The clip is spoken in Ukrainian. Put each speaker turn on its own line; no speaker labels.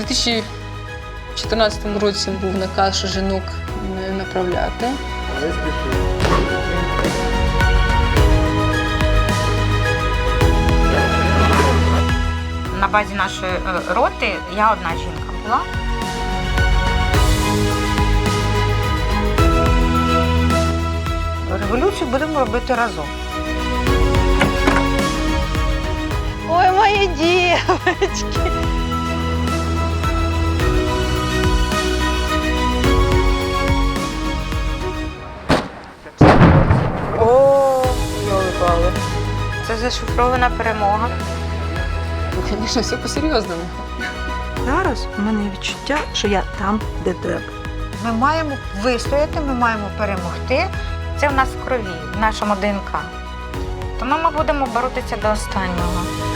2014 році був наказ, що жінок не направляти.
На базі нашої роти я одна жінка була. Революцію будемо робити разом.
Ой, мої дівчатки!
О, йоли-пали. Це зашифрована перемога.
Ну, звісно, все по-серйозному.
Зараз у мене відчуття, що я там, де треба.
Ми маємо вистояти, ми маємо перемогти. Це в нас в крові, в нашому ДНК. Тому ми будемо боротися до останнього.